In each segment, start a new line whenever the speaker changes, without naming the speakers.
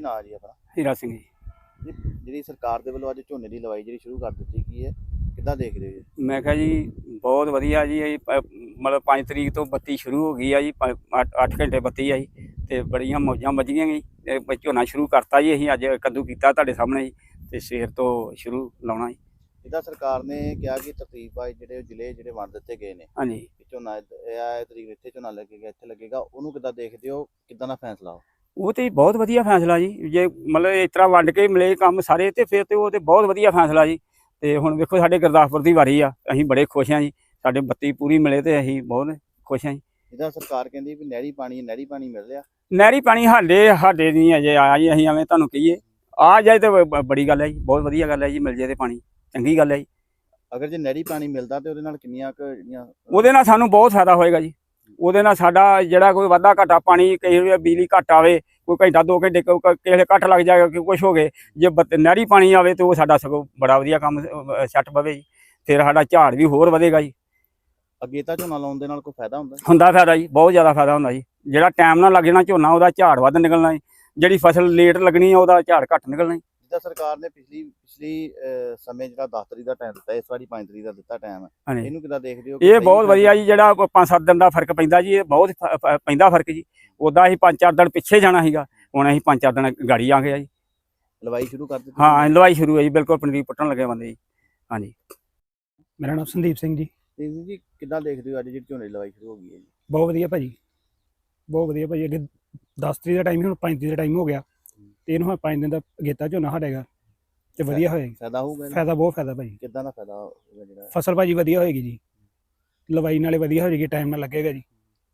ਨਾਂ ਜੀ ਆਪਣਾ?
ਹੀਰਾ ਸਿੰਘ ਜੀ।
ਜਿਹੜੀ ਸਰਕਾਰ ਦੇ ਵੱਲੋਂ ਅੱਜ ਝੋਨੇ ਦੀ ਲਵਾਈ ਜਿਹੜੀ ਸ਼ੁਰੂ ਕਰ ਦਿੱਤੀ ਗਈ ਹੈ, ਕਿੱਦਾਂ ਦੇਖ ਰਹੇ ਹੋ ਜੀ?
ਮੈਂ ਕਿਹਾ ਜੀ ਬਹੁਤ ਵਧੀਆ ਜੀ। ਇਹ ਮਤਲਬ 5 ਤਰੀਕ ਤੋਂ ਬੱਤੀ ਸ਼ੁਰੂ ਹੋ ਗਈ ਆ ਜੀ। 8 ਘੰਟੇ ਬੱਤੀ ਆ ਜੀ ਅਤੇ ਬੜੀਆਂ ਮੌਜਾਂ ਵੱਜੀਆਂ ਜੀ। ਝੋਨਾ ਸ਼ੁਰੂ ਕਰਤਾ ਜੀ। ਅਸੀਂ ਅੱਜ ਕੱਦੂ ਕੀਤਾ ਤੁਹਾਡੇ ਸਾਹਮਣੇ ਜੀ, ਅਤੇ ਸਵੇਰ ਤੋਂ ਸ਼ੁਰੂ ਲਾਉਣਾ ਜੀ।
ਜਿੱਦਾਂ ਸਰਕਾਰ ਨੇ ਕਿਹਾ ਕਿ ਤਰਤੀਬ ਵਾਈਜ਼ ਜਿਹੜੇ ਜ਼ਿਲ੍ਹੇ ਜਿਹੜੇ ਵੰਡ ਦਿੱਤੇ ਗਏ ਨੇ,
ਹਾਂਜੀ,
ਕਿ ਝੋਨਾ ਇਹ ਤਰੀਕ ਇੱਥੇ ਝੋਨਾ ਲੱਗੇਗਾ, ਇੱਥੇ ਲੱਗੇਗਾ, ਉਹਨੂੰ ਕਿੱਦਾਂ ਦੇਖਦੇ ਹੋ? ਕਿੱਦਾਂ ਦਾ ਫੈਸਲਾ ਉਹ?
ਉਹ ਤਾਂ ਬਹੁਤ ਵਧੀਆ ਫੈਸਲਾ ਜੀ। ਜੇ ਮਤਲਬ ਇਸ ਤਰ੍ਹਾਂ ਵੰਡ ਕੇ ਮਿਲੇ ਕੰਮ ਸਾਰੇ ਅਤੇ ਫਿਰ ਤਾਂ ਉਹ ਤਾਂ ਬਹੁਤ ਵਧੀਆ ਫੈਸਲਾ ਜੀ। ਅਤੇ ਹੁਣ ਵੇਖੋ ਸਾਡੇ ਗੁਰਦਾਸਪੁਰ ਦੀ ਵਾਰੀ ਆ, ਅਸੀਂ ਬੜੇ ਖੁਸ਼ ਹਾਂ ਜੀ। ਸਾਡੇ ਬੱਤੀ ਪੂਰੀ ਮਿਲੇ ਅਤੇ ਅਸੀਂ ਬਹੁਤ ਖੁਸ਼ ਹਾਂ ਜੀ।
ਜਿੱਦਾਂ ਸਰਕਾਰ ਕਹਿੰਦੀ ਵੀ ਨਹਿਰੀ ਪਾਣੀ ਮਿਲ ਰਿਹਾ।
ਨਹਿਰੀ ਪਾਣੀ ਸਾਡੇ ਨਹੀਂ ਅਜੇ ਆਇਆ ਜੀ। ਅਸੀਂ ਐਵੇਂ ਤੁਹਾਨੂੰ ਕਹੀਏ ਆ ਜਾਏ ਤਾਂ ਬੜੀ ਗੱਲ ਹੈ ਜੀ, ਬਹੁਤ ਵਧੀਆ ਗੱਲ ਹੈ ਜੀ। ਮਿਲ ਜੇ ਤਾਂ ਪਾਣੀ ਚੰਗੀ ਗੱਲ ਹੈ ਜੀ।
ਅਗਰ ਜੇ ਨਹਿਰੀ ਪਾਣੀ ਮਿਲਦਾ ਤਾਂ ਉਹਦੇ ਨਾਲ ਕਿੰਨੀਆਂ ਕੁ ਜਿਹੜੀਆਂ
ਉਹਦੇ ਨਾਲ ਸਾਨੂੰ ਬਹੁਤ ਫਾਇਦਾ ਹੋਏਗਾ ਜੀ। ਉਹਦੇ ਨਾਲ ਸਾਡਾ ਜਿਹੜਾ ਕੋਈ ਵਾਧਾ ਘਾਟਾ ਪਾਣੀ, ਕਈ ਵਾਰ ਬਿਜਲੀ ਘੱਟ ਆਵੇ, ਕੋਈ ਘੰਟਾ 2 ਘੰਟੇ ਕਿਸੇ ਕੱਟ ਲੱਗ ਜਾਏਗਾ, ਕਿ ਕੁਛ ਹੋ ਗਏ, ਜੇ ਨਹਿਰੀ ਪਾਣੀ ਆਵੇ ਤਾਂ ਉਹ ਸਾਡਾ ਸਗੋਂ ਬੜਾ ਵਧੀਆ ਕੰਮ ਸੈੱਟ ਪਵੇ ਜੀ। ਫਿਰ ਸਾਡਾ ਝਾੜ ਵੀ ਹੋਰ ਵਧੇਗਾ ਜੀ।
ਅਗੇਤਾ ਝੋਨਾ ਲਾਉਣ ਦੇ ਨਾਲ ਕੋਈ ਫਾਇਦਾ ਹੁੰਦਾ?
ਹੁੰਦਾ ਫਾਇਦਾ ਜੀ, ਬਹੁਤ ਜ਼ਿਆਦਾ ਫਾਇਦਾ ਹੁੰਦਾ ਜੀ। ਜਿਹੜਾ ਟਾਈਮ ਨਾਲ ਲੱਗ ਜਾਣਾ ਝੋਨਾ, ਉਹਦਾ ਝਾੜ ਵੱਧ ਨਿਕਲਣਾ ਜੀ। ਜਿਹੜੀ ਫਸਲ ਲੇਟ ਲੱਗਣੀ ਆ, ਉਹਦਾ ਝਾੜ ਘੱਟ ਨਿਕਲਣਾ ਜੀ।
ਜਿੱਦਾਂ ਸਰਕਾਰ ਨੇ ਪਿਛਲੀ ਸਮੇਂ ਜਿਹੜਾ 10 ਤਰੀਕ ਦਾ ਟਾਈਮ ਦਿੱਤਾ, ਇਸ ਵਾਰੀ 5 ਤਰੀਕ ਦਾ ਦਿੱਤਾ ਟਾਈਮ,
ਹਾਂਜੀ,
ਇਹਨੂੰ ਕਿੱਦਾਂ ਦੇਖਦੇ ਹੋ?
ਇਹ ਬਹੁਤ ਵਧੀਆ ਜੀ। ਜਿਹੜਾ 5-7 ਦਿਨ ਦਾ ਫਰਕ ਪੈਂਦਾ ਜੀ, ਇਹ ਬਹੁਤ ਪੈਂਦਾ ਫਰਕ ਜੀ। ਉੱਦਾਂ ਅਸੀਂ 5-4 ਦਿਨ ਪਿੱਛੇ ਜਾਣਾ ਸੀਗਾ, ਹੁਣ ਅਸੀਂ 5-4 ਦਿਨ ਗਾੜੀ ਆ ਗਏ ਜੀ।
ਲਵਾਈ ਸ਼ੁਰੂ ਕਰ ਦਿੱਤੀ?
ਹਾਂ, ਲਵਾਈ ਸ਼ੁਰੂ ਹੈ ਜੀ, ਬਿਲਕੁਲ ਪਨੀਰੀ ਪੁੱਟਣ ਲੱਗੇ ਬੰਦੇ ਜੀ। ਹਾਂਜੀ,
ਮੇਰਾ ਨਾਮ ਸੰਦੀਪ ਸਿੰਘ ਜੀ।
ਜੀ ਕਿੱਦਾਂ ਦੇਖਦੇ ਹੋ ਅੱਜ ਜਿਹੜੀ ਝੋਨੇ ਦੀ ਲਵਾਈ ਸ਼ੁਰੂ ਹੋ ਗਈ ਹੈ ਜੀ?
ਬਹੁਤ ਵਧੀਆ ਭਾਜੀ, ਬਹੁਤ ਵਧੀਆ ਭਾਜੀ। ਅੱਗੇ 10 ਤਰੀਕ ਦਾ ਟਾਈਮ ਸੀ, ਹੁਣ 5 ਤਰੀਕ ਦਾ ਟਾਈਮ ਹੋ ਗਿਆ, ਤੇ ਇਹਨੂੰ 5 ਦਿਨ ਦਾ ਅਗੇਤਾ ਝੋਨਾ ਸਾਡੇਗਾ ਤੇ ਵਧੀਆ ਹੋਏਗਾ।
ਫਾਇਦਾ ਹੋਊਗਾ?
ਫਾਇਦਾ ਬਹੁਤ ਫਾਇਦਾ ਭਾਜੀ।
ਕਿੱਦਾਂ ਦਾ ਫਾਇਦਾ ਹੋਊਗਾ? ਜਿਹੜਾ
ਫਸਲ ਭਾਜੀ ਵਧੀਆ ਹੋਏਗੀ ਜੀ, ਲਵਾਈ ਨਾਲੇ ਵਧੀਆ ਹੋ ਜਾਏਗੀ, ਟਾਈਮ ਨਾਲ ਲੱਗੇਗਾ ਜੀ।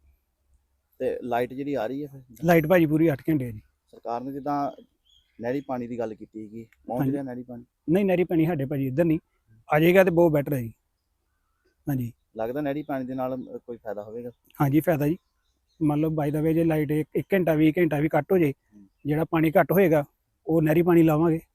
ਤੇ ਲਾਈਟ ਜਿਹੜੀ ਆ ਰਹੀ ਹੈ ਫਿਰ?
ਲਾਈਟ ਭਾਜੀ ਪੂਰੀ 8 ਘੰਟੇ ਜੀ।
ਸਰਕਾਰ ਨੇ ਜਿੱਦਾਂ ਨਹਿਰੀ ਪਾਣੀ ਦੀ ਗੱਲ ਕੀਤੀ ਸੀਗੀ, ਪਹੁੰਚ ਰਿਹਾ ਨਹਿਰੀ ਪਾਣੀ?
ਨਹੀਂ, ਨਹਿਰੀ ਪਾਣੀ ਸਾਡੇ ਭਾਜੀ ਇੱਧਰ ਨਹੀਂ ਆ ਜਾਏਗਾ ਤੇ ਬਹੁਤ ਬੈਟਰ ਹੈ ਜੀ। ਹਾਂਜੀ,
ਲੱਗਦਾ ਨਹਿਰੀ ਪਾਣੀ ਦੇ ਨਾਲ ਕੋਈ ਫਾਇਦਾ ਹੋਵੇਗਾ?
ਹਾਂਜੀ ਫਾਇਦਾ ਜੀ। ਮੰਨ ਲਓ ਬਾਈ ਦਾ ਵੇ ਜੇ ਲਾਈਟ 1 ਘੰਟਾ 20 ਘੰਟਾ ਵੀ ਕੱਟ ਹੋ ਜੇ, ਜਿਹੜਾ ਪਾਣੀ ਘੱਟ ਹੋਏਗਾ ਉਹ ਨਹਿਰੀ ਪਾਣੀ ਲਾਵਾਂਗੇ,